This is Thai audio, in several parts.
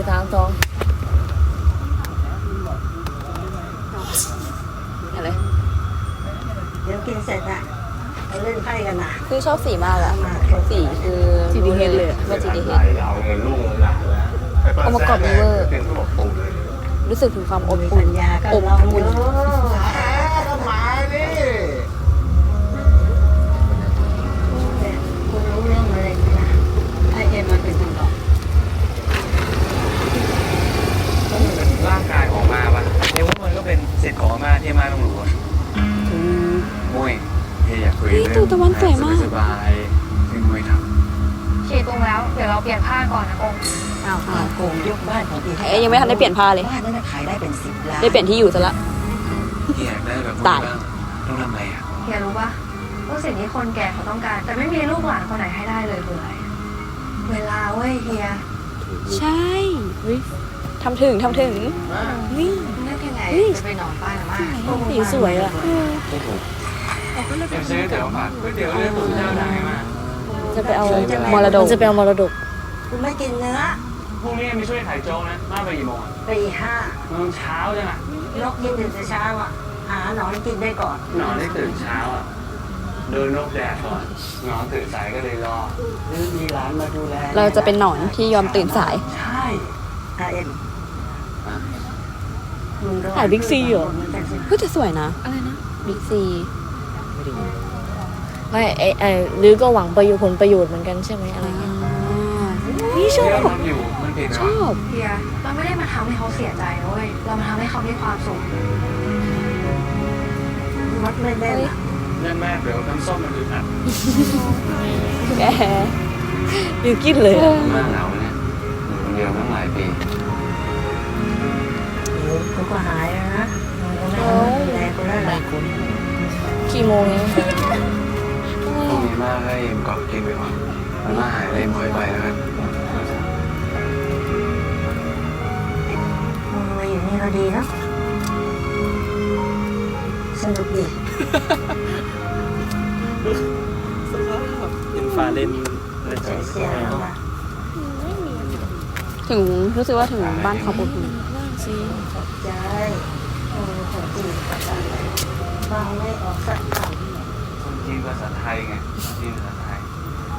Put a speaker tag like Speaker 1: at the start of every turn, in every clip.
Speaker 1: 3 2อะไร
Speaker 2: เดี๋ยวกินเสร็จอะไปเล่นไพ่กันนะ
Speaker 1: คือชอบสีมากอะสีคือ
Speaker 3: GDH เลย
Speaker 1: ว่า GDH องค์ประกอบดีเวอร์รู้สึกถึงความอบ
Speaker 2: มี
Speaker 1: อุ่
Speaker 2: ปั
Speaker 1: น
Speaker 2: ญญาก็
Speaker 1: อบ
Speaker 2: ลอง
Speaker 1: อุ่น
Speaker 2: ดูคุณรู้เรื่องอะไรไหมนะไอเอ็มมันเป็นคนบอก
Speaker 4: ร่างกายของมาปะเรียกว่ามันก็เป็นสิทธิ์ของอาม่าที่อาม่าต้องรู้อะโอ้ยเฮียอยากคุยเรื่องสบายๆไม่คุยทำ
Speaker 5: ฉีดตรงแล้ว เดี๋ยวเราเปลี่ยนผ้าก่อนนะองค์
Speaker 1: อ้าว
Speaker 2: โกงยกบ้านของพี่
Speaker 1: เอ๊ยยังไม่ทันได้เปลี่ยนผ้าเลย
Speaker 2: บ้านนั้นขายได้เป็น10 ล้าน
Speaker 1: ได้เปลี่ยนที่อยู่ซะละ
Speaker 4: เฮียอยากได้แบบ
Speaker 1: ตาย
Speaker 4: บ้างต้องทำไงอ่ะ
Speaker 5: เฮียรู้ปะว่าสิ่งที่คนแก่เขาต้องการ แต่ไม่มีลูกหลานคนไหนให้ได้เลยคืออะไร เวลาเว้ยเฮีย
Speaker 1: ใช่ทำถึงนี่
Speaker 5: นึกยังไงจะไปนอนบ้านอาม่า
Speaker 1: สีสวยอะ
Speaker 4: เอ็มซื้อเตี๋ยวผัดก๋วยเตี๋ยวเรือตุ๋นเจ้าดังมาก
Speaker 1: จะไปเอามรดกจะไปเอามรดก
Speaker 2: คุณไม่กินเนื้อ
Speaker 4: พรุ่งนี้ไม่ช่วยขายโจ๊กนะมาไปกี่โมงอ่ะ
Speaker 2: ตี
Speaker 4: มันเช้าจังอ่ะ
Speaker 2: 5นกกินถึงแต่เช้าอ่ะหาหนอนกินได้ก่อน
Speaker 4: นอนได้ตื่นเช้าอ่ะโดนนกแดดก่อนนอนตื่นสายก็เลยรอ
Speaker 2: หรือมีหลานมาดูแล
Speaker 1: เราจะเป็นหนอนที่ยอมตื่นสาย
Speaker 4: ใช่
Speaker 2: ไอเอ็ม
Speaker 4: อะ
Speaker 1: ขายบิ๊กซีเหรอ ก็จะสวยนะ
Speaker 3: อะไรนะ
Speaker 1: บิ๊กซี
Speaker 3: ไม่ไอ้หรือก็หวังผลประโยชน์เหมือนกันใช่ไหมอะไรเงี้ย
Speaker 1: นี่ชอ
Speaker 4: ที่เรา
Speaker 1: บ
Speaker 4: ทำอยู่มันผิด
Speaker 1: ช
Speaker 4: เหรอ
Speaker 1: อบ
Speaker 5: เฮียเราไม่ได้มาทำให้เขาเสียใจนะเว้ย เรามาทำให้เขามีความสุข
Speaker 2: มัดไม่ได้หรอ
Speaker 4: เรื่องแม่เดี๋ยวน้ำส้มมันอึดอัด
Speaker 1: แก
Speaker 3: บิวกินเลยอะ
Speaker 4: มาเหงาเนี่ยอยู่คนเดียวตั้งหลายปี
Speaker 2: คุณก็หายแล้วนะคุณไม่ดูแลคุณแล้วล่ะ
Speaker 3: กี่โมงเนี้ย
Speaker 4: พรุ่งนี้มาให้เอ็มกอบกินไปก่อนมันมาหายเลยเอ็มคอยไปแล้วกัน
Speaker 2: มึงมาอยู่นี่ก็ดีเนาะสนุกดี
Speaker 4: เห็นฟ้าเล่นอะไร
Speaker 2: เสียแล้วล่ะ
Speaker 1: ถึงรู้สึกว่าถึงบ้านเขาอบอุ่น
Speaker 2: ขอบใจคนจีนภาษาอะไรฟังไม่ออกสักค
Speaker 4: คนจีนภาษาไทยไงจีนภาษาไทย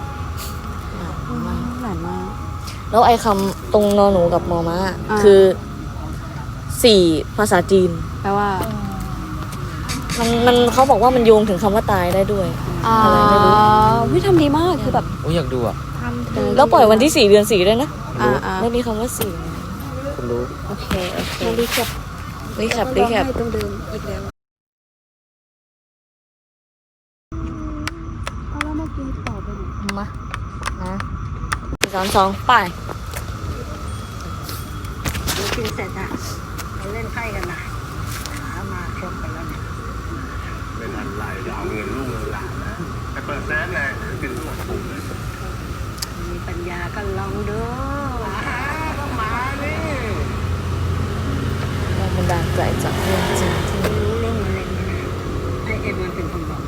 Speaker 1: หลานมาก
Speaker 3: แล้วไอ้คำตรงนอหนูกับมอม้า
Speaker 1: อ่า
Speaker 3: คือสี่ภาษาจีน
Speaker 1: แปลว่า
Speaker 3: มันเขาบอกว่ามันโยงถึงคำว่าตายได้ด้วย อะไรไม่รู้
Speaker 1: วิทำดีมากคือแบบ
Speaker 6: โอ้ยอยากดูอ่ะ
Speaker 3: แล้วปล่อยวันที่ 4 เดือน 4ด้วยนะ
Speaker 1: อ่า
Speaker 3: ไม่มีคำว่าสี่
Speaker 6: คุณรู้
Speaker 1: โอเค
Speaker 3: รีแคปรีแคป
Speaker 1: ต้องเดิมอีกแล้วเอาแล้วมากินต่อไปไหน
Speaker 3: มานะ3 2ไป
Speaker 2: ำเดี๋ยวกินเสร็จอะไปเล่นไพ่กันนะหามาครบกันแล้วเนี่ย
Speaker 4: ไม่ทันไรจะเอาเงินลูกเงินหลานนะไปเปิดแซนเลยกินทั้งหมดปุ่มเลย
Speaker 2: มีปัญญาก็ลองดู
Speaker 4: ต้องมานี่
Speaker 3: แรงบันดาลใจจากเรื่องจริงที่
Speaker 2: รู้เรื่องอะไรไหมนะไอเอ็มมันเป็นคนบอก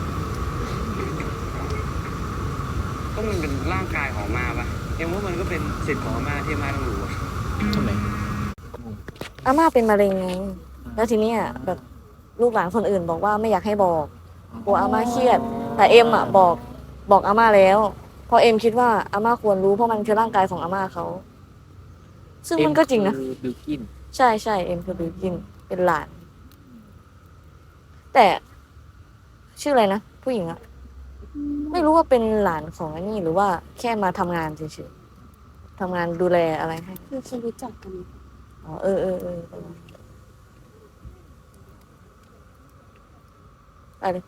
Speaker 4: ก็มันเป็นร่างกายของมาปะเอ็มว่ามันก็เป็นสิทธิ์ของอาม่าที่อาม่าต้องรู้อะ
Speaker 6: ทำไม
Speaker 3: อาม่าเป็นมะเร็งไง แล้วทีเนี้ยแบบลูกหลานคนอื่นบอกว่าไม่อยากให้บอกกลัวอาม่าเครียด แต่เอ็มอ่ะบอกอาม่าแล้วเพราะเอ็มคิดว่าอาม่าควรรู้เพราะมันคือร่างกายของอาม่าเขาซึ่งมันก็จริงนะ
Speaker 6: บิวกิน
Speaker 3: ใช่ใช่เอ็มคือบิวกินเป็นหลาน แต่ชื่ออะไรนะผู้หญิงอะไม่รู้ว่าเป็นหลานของอันนี้หรือว่าแค่มาทำงานเฉยๆทำงานดูแลอะไรให้
Speaker 1: คือเขารู้จักกัน
Speaker 3: อ๋อเออไปเลย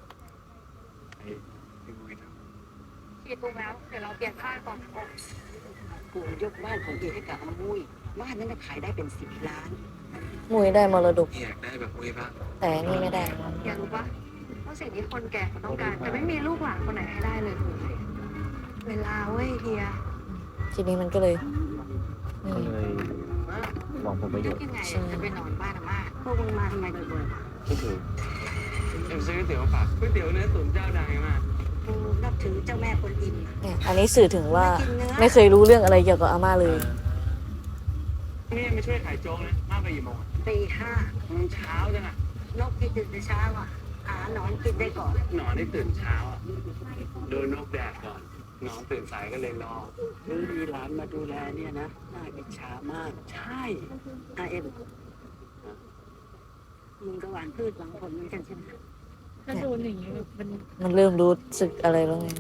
Speaker 5: ฉีดตรงแล้ว เดี๋ยวเราเปลี่ยนผ้าก่อนนะองค์
Speaker 2: กูยกบ้านของเอให้กับอามุยบ้านนั้นขายได้เป็น10 ล้าน
Speaker 3: มุยได้มรดก
Speaker 4: อยากได้แบบมุ้ยบ้าง
Speaker 3: แต่นี่ไม่ได้
Speaker 5: เฮียรู้ปะว่าสิ่งที่คนแก่เขาต้องการ แต่ไม่มีลูกหลานคนไหนให้ได้เลยคืออะไร เวลาเว้ยเฮีย
Speaker 3: ทีนี้มันก็เลยนี่
Speaker 6: ก็เลยหวังผลประโย
Speaker 2: นึ
Speaker 6: ช
Speaker 2: ก
Speaker 6: น์
Speaker 2: ยังไงจะไปนอนบ้านอาม่าพวกมึงมาทำไมบ่อยๆ
Speaker 6: ก็คือ
Speaker 4: เอ็มซื้อก๋วยเตี๋ยวผัดก๋วยเตี๋ยวเนื้อตุ๋นเจ้าดังมาก
Speaker 2: กูนับถือเจ้าแม่กวนอิมนะ
Speaker 3: เนี่ยอันนี้สื่อถึงว่า
Speaker 2: ไม่กินเนื้อ
Speaker 3: ไม่เคยรู้เรื่องอะไรเกี่ยวกับอาม่าเลย
Speaker 4: เนี่ไม่ช่วยขายโจ๊กนะมากไปกี่โมง
Speaker 2: ตีห้า
Speaker 4: มันเช้าจังอะ
Speaker 2: นกที่ตื่นแต่เช้าอ่ะหาหนอนกินได้ก่อน
Speaker 4: หนอนได้ตื่นเช้าอ่ะดูนกแดดก่อนหนอนตื่นสายก็เลยรอ
Speaker 2: ซื้อมีหลานมาดูแลเนี่ยนะน่าอิจฉามาก ใช่เอ็มมึงก็หวานพืชหวังผลเหมือนกันใช่ไหม
Speaker 1: ถ้าโดนอย่างนี้แบบมัน
Speaker 3: มันเริ่มรู้สึกอะไรแล้วไง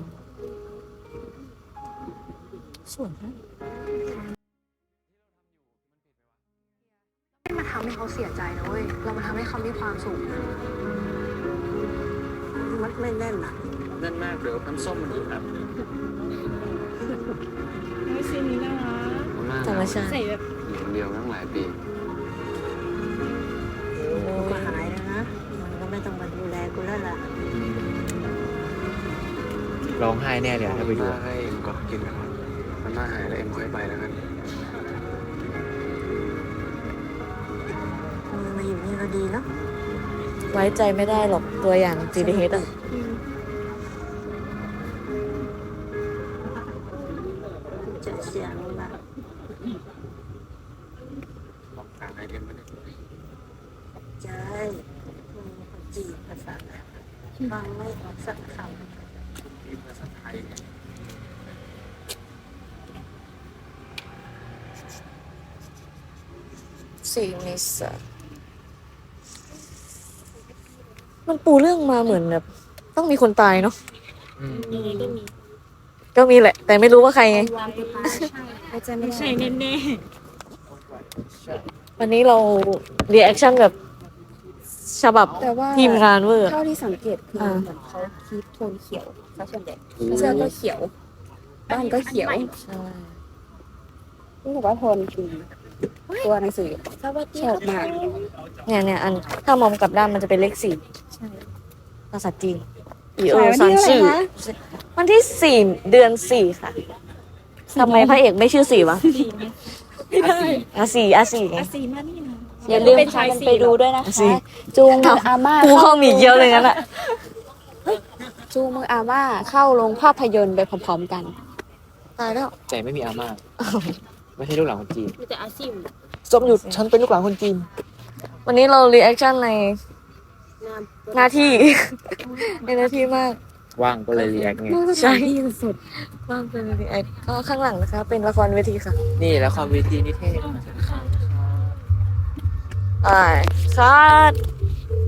Speaker 3: สวยนะ
Speaker 5: ไม่มาทำให้เขาเสียใจนะเว้ย เรามาทำให้เขามีความสุข
Speaker 2: มัดไม่แน่นอ่ะ
Speaker 4: นั่นมากเดี๋ยวน้ำส้มมันอีกครับ
Speaker 1: ไม่ซีนนี้น่ารัก
Speaker 3: ธรรมชาติ
Speaker 1: ใส่แบบ
Speaker 4: อยู่คนเดียวตั้งหลายปี
Speaker 2: กูก็หายแล้วนะมันก็ไม่ต้องมาดูแลกูแล้วล่ะ
Speaker 6: ร้องไห้แน่เลยอะถ้าไปดู
Speaker 4: มาให้เอ็มก็กินกันมันมาหายแล้วเอ็มค่อยไปแล้วกัน
Speaker 2: มึงมาอยู่นี่ก็ดีเนาะ
Speaker 3: ไว้ใจไม่ได้หรอกตัวอย่าง GDH อ่ะ
Speaker 2: จะเสียงละ
Speaker 4: บอกทางให้เอ็มมาเนี่ย
Speaker 2: ใจมึงคนจีนภาษาฟังไม่ออกสักคำ
Speaker 4: นี่ภาษาไทยไง
Speaker 3: 4 เมษามันปูเรื่องมาเหมือนแบบต้องมีคนตายเนาะ
Speaker 1: ยังไงก็มี
Speaker 3: ก็มีแหละ แต่ไม่รู้ว่าใครไง
Speaker 1: วางตัวตายไม่ใช่แน่
Speaker 3: วันนี้เราเรีแอคชั่นแบบฉบับ
Speaker 7: แต่ว่า
Speaker 3: ทีมงานเวอร์
Speaker 7: เท่าที่สังเกตคือเหมือนเขาคีปโทนเขียวซะส่วนใหญ่เสื้อก็เขียว บ้านก็เขียว
Speaker 3: ใช่
Speaker 7: นี่บอกว่าโทนคือตัวหนังสือชอบมาก
Speaker 3: เนี่ยอันถ้ามองกลับด้านมันจะเป็นเลข 4
Speaker 7: ใช่
Speaker 3: ภาษาจีนอี
Speaker 7: ขายวัน
Speaker 3: ซัน
Speaker 7: ที่
Speaker 3: ชื่อ
Speaker 7: เท่าไหร่คะ
Speaker 3: วันที่ 4 เดือน 4 ค่ะทำไมพระเอกไม่ชื่อ4วะ
Speaker 1: ไม่ได้
Speaker 3: 4ไง
Speaker 1: อาซีมานี่นะ
Speaker 7: อย่าลืม
Speaker 1: เป็น
Speaker 7: พา
Speaker 1: ชาย
Speaker 7: กัน
Speaker 1: สี่
Speaker 7: ไปดูด้วยนะ
Speaker 3: สิ
Speaker 7: คะ จูงมืออาม่า
Speaker 3: กูเข้ามีเกียวเลยงั้นอ่ะ
Speaker 7: จูงมืออาม่าเข้าโรงภาพยนตร์ไปพร้อมๆกัน
Speaker 3: ตายแล้ว
Speaker 6: ใจไม่มีอาม่าไม่ใช่ลูกหลานคนจีน
Speaker 1: มีแต่อาซีม
Speaker 6: ส้มหยุดฉันเป็นลูกหลานคนจีน
Speaker 3: วันนี้เรารีแอคชั่นในหน้าที่ ในหน้าที่มาก
Speaker 6: ว่างก็เลยรีแอคไง
Speaker 3: ใช่สุดมากเป็นรีแอคก็ข้างหลังนะคะ เป็นละครเวทีค่ะ
Speaker 6: นี่ละครเวทีนิเทศ
Speaker 3: อ่าคัด